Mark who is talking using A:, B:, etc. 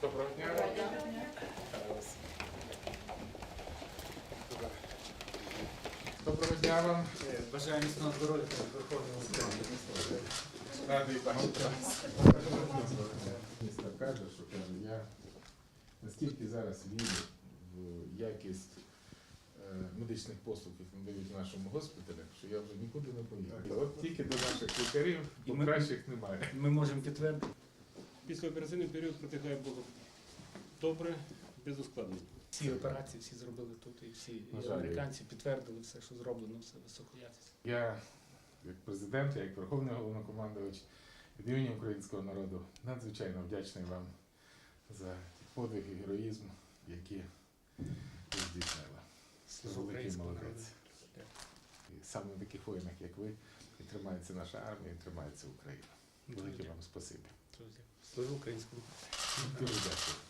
A: Доброго дня. Доброго дня вам.
B: Бажаю міцного здоров'я та Верховного Суду.
A: Радий бачити вас. Міністр каже, я наскільки зараз вірю в якість медичних послуг, які надають в нашому госпіталі, що я вже нікуди не поїду. От тільки до наших лікарів, бо кращих немає.
B: Ми можемо підтвердити.
C: Післяопераційний період протягає було добре, без ускладнень.
B: Всі операції всі зробили тут, і всі і американці підтвердили все, що зроблено, все високоякісно.
A: Я, як президент, як Верховний Головнокомандувач, від імені українського народу надзвичайно вдячний вам за подвиг і героїзм, які ви здійснили.
B: Служу
A: Великий
B: українському народу.
A: молодець. І саме в таких воїнах, як ви, і тримається наша армія, і тримається Україна. Велике вам спасибі.
B: Служу українському.
A: Дуже дякую.